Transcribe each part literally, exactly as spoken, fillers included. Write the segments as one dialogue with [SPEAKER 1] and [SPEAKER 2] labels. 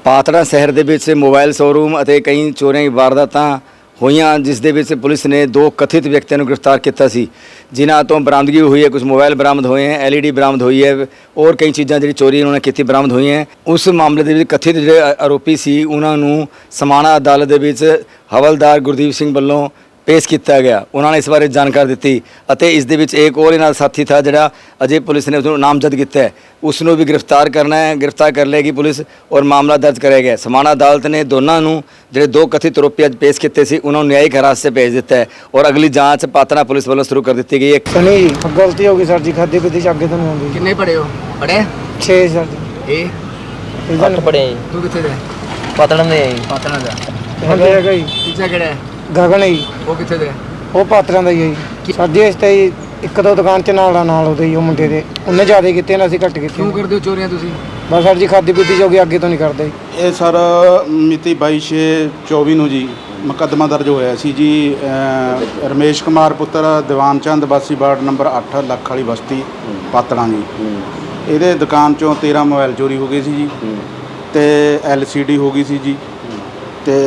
[SPEAKER 1] ਪਾਤੜਾ ਸ਼ਹਿਰ ਦੇ ਵਿੱਚ ਮੋਬਾਈਲ ਸ਼ੋਰੂਮ ਅਤੇ ਕਈ ਚੋਰੀਆਂ ਦੀ ਵਾਰਦਾਤਾਂ ਹੋਈਆਂ, ਜਿਸ ਦੇ ਵਿੱਚ ਪੁਲਿਸ ਨੇ ਦੋ ਕਥਿਤ ਵਿਅਕਤੀਆਂ ਨੂੰ ਗ੍ਰਿਫਤਾਰ ਕੀਤਾ ਸੀ, ਜਿਨ੍ਹਾਂ ਤੋਂ ਬਰਾਮਦਗੀ ਹੋਈ ਹੈ। ਕੁਝ ਮੋਬਾਈਲ ਬਰਾਮਦ ਹੋਏ ਹੈ, ਐਲਈਡੀ ਬਰਾਮਦ ਹੋਈ ਹੈ ਔਰ ਕਈ ਚੀਜ਼ਾਂ ਜਿਹੜੀ ਚੋਰੀ ਉਹਨਾਂ ਨੇ ਕੀਤੀ ਬਰਾਮਦ ਹੋਈਆਂ। ਉਸ ਮਾਮਲੇ ਦੇ ਵਿੱਚ ਕਥਿਤ ਜਿਹੜੇ ਆਰੋਪੀ ਸੀ ਉਹਨਾਂ ਨੂੰ ਸਮਾਣਾ ਅਦਾਲਤ ਦੇ ਵਿੱਚ ਹਵਲਦਾਰ ਗੁਰਦੀਪ ਸਿੰਘ ਵੱਲੋਂ पेश किया गया। उन्होंने इस बारे जानकारी दी और इस दे विच एक और इन्हां साथी था जिहड़ा अजय पुलिस ने उसनूं नामजद किया है, उसनूं भी गिरफ्तार करना है, गिरफ्तार कर लेगी पुलिस और मामला दर्ज करेगा। समाणा अदालत ने दोनों नूं जिहड़े दो कथित आरोपी अज पेश किए सी उन्होंने न्यायिक हिरासत से भेज दिता है और अगली जांच पात्रा पुलिस वालों शुरू कर दी गई है।
[SPEAKER 2] सनी जी गलती होगी सर जी, खादी पीती से अगे तो नहीं होगी।
[SPEAKER 1] कितने पढ़े हो? पढ़े
[SPEAKER 2] छे सर जी।
[SPEAKER 1] ए
[SPEAKER 2] इधर
[SPEAKER 3] पढ़े
[SPEAKER 1] तू कितने दे?
[SPEAKER 3] पातड़ा दे
[SPEAKER 1] पात्रा दा।
[SPEAKER 2] है गई
[SPEAKER 1] तीसरा किहड़ा है?
[SPEAKER 2] गगन जी
[SPEAKER 1] वो कितने दे?
[SPEAKER 2] ਉਹ ਪਾਤਰਾਂ ਦਾ ਹੀ ਹੈ ਜੀ। ਸਾਡੀ ਇਸ ਤੇ ਜੀ ਇੱਕ ਦੋ ਦੁਕਾਨ ਚ ਨਾਲ ਨਾਲ ਉਹਦੇ ਹੀ ਉਹ ਮੁੰਡੇ ਦੇ ਉਹਨੇ ਜ਼ਿਆਦਾ ਕੀਤੇ ਨੇ, ਅਸੀਂ ਘੱਟ ਕੀਤੇ।
[SPEAKER 1] ਕਿਉਂ ਕਰਦੇ ਹੋ ਚੋਰੀਆਂ ਤੁਸੀਂ?
[SPEAKER 2] ਬਸ ਸਰ ਜੀ ਖਾਦੀ ਪੀਤੀ ਜੋਗੀ ਅੱਗੇ ਤੋਂ ਨਹੀਂ ਕਰਦੇ।
[SPEAKER 4] ਇਹ ਸਰ ਮਿਤੀ ਬਾਈ ਛੇ ਚੌਵੀ ਨੂੰ ਜੀ ਮੁਕੱਦਮਾ ਦਰਜ ਹੋਇਆ ਸੀ ਜੀ। ਅ, ਰਮੇਸ਼ ਕੁਮਾਰ ਪੁੱਤਰ ਦੀਵਾਨ ਚੰਦ ਵਾਸੀ ਵਾਰਡ ਨੰਬਰ ਅੱਠ ਲੱਖ ਵਾਲੀ ਬਸਤੀ ਪਾਤੜਾਂ ਜੀ। ਇਹਦੇ ਦੁਕਾਨ ਚੋਂ ਤੇਰ੍ਹਾਂ ਮੋਬਾਈਲ ਚੋਰੀ ਹੋ ਗਏ ਸੀ ਜੀ ਤੇ ਐਲ ਸੀ ਡੀ ਹੋ ਗਈ ਸੀ ਜੀ ਤੇ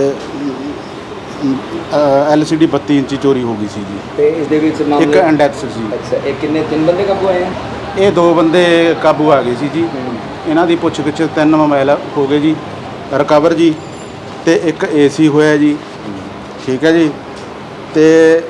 [SPEAKER 4] ਐਲ ਸੀ ਡੀ ਬੱਤੀ ਇੰਚੀ ਚੋਰੀ ਹੋ ਗਈ ਸੀ ਜੀ।
[SPEAKER 1] ਤੇ ਇਸ ਦੇ ਵਿੱਚ
[SPEAKER 4] ਇੱਕ
[SPEAKER 1] ਮਾਮਲੇ
[SPEAKER 4] ਇੰਡੈਕਸ ਸੀ।
[SPEAKER 1] ਅੱਛਾ, ਇਹ ਕਿੰਨੇ ਤਿੰਨ ਬੰਦੇ ਕਾਬੂ ਆਏ ਆ?
[SPEAKER 4] ਇਹ ਦੋ ਬੰਦੇ ਕਾਬੂ ਆ ਗਏ ਸੀ ਜੀ। ਇਹਨਾਂ ਦੀ ਪੁੱਛ ਗਿੱਛ ਤਿੰਨ ਮੋਬਾਈਲ ਹੋ ਗਏ ਜੀ ਰਿਕਵਰ ਜੀ ਤੇ ਇੱਕ ਏਸੀ ਹੋਇਆ ਜੀ। ਠੀਕ ਹੈ ਜੀ, ਤੇ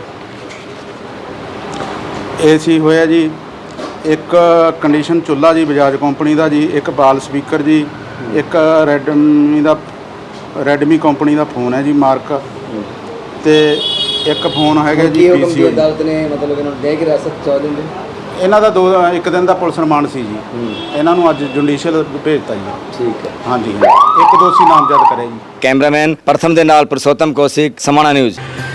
[SPEAKER 4] ਏਸੀ ਹੋਇਆ ਜੀ, ਇੱਕ ਕੰਡੀਸ਼ਨ ਚੁੱਲ੍ਹਾ ਜੀ ਬਜਾਜ ਕੰਪਨੀ ਦਾ ਜੀ, ਇੱਕ ਬਾਲ ਸਪੀਕਰ ਜੀ, ਇੱਕ ਰੈਡਮੀ ਦਾ ਰੈਡਮੀ ਕੰਪਨੀ ਦਾ ਫੋਨ ਹੈ ਜੀ ਮਾਰਕ, ਤੇ ਇੱਕ ਫੋਨ ਹੈਗਾ ਜੀ ਪੀਸੀ।
[SPEAKER 1] ਅਦਾਲਤ ਨੇ ਮਤਲਬ ਇਹਨਾਂ ਨੂੰ न्यायिक हिरासत ਚਾ ਦਿੰਦੇ।
[SPEAKER 4] ਇਹਨਾਂ ਦਾ ਦੋ ਇੱਕ ਦਿਨ ਦਾ ਪੁਲਿਸ ਰਿਮਾਂਡ ਸੀ ਜੀ। ਇਹਨਾਂ ਨੂੰ ਅੱਜ ਜੁਡੀਸ਼ੀਅਲ ਭੇਜਤਾ ਜੀ।
[SPEAKER 1] ਠੀਕ ਹੈ,
[SPEAKER 4] ਹਾਂਜੀ, ਇੱਕ ਦੋਸ਼ੀ ਨਾਮਜ਼ਦ ਕਰਿਆ ਜੀ।
[SPEAKER 1] ਕੈਮਰਾਮੈਨ ਪ੍ਰਥਮ ਦੇ ਨਾਲ ਪੁਰਸ਼ੋਤਮ ਕੌਸ਼ਿਕ, ਸਮਾਣਾ ਨਿਊਜ਼।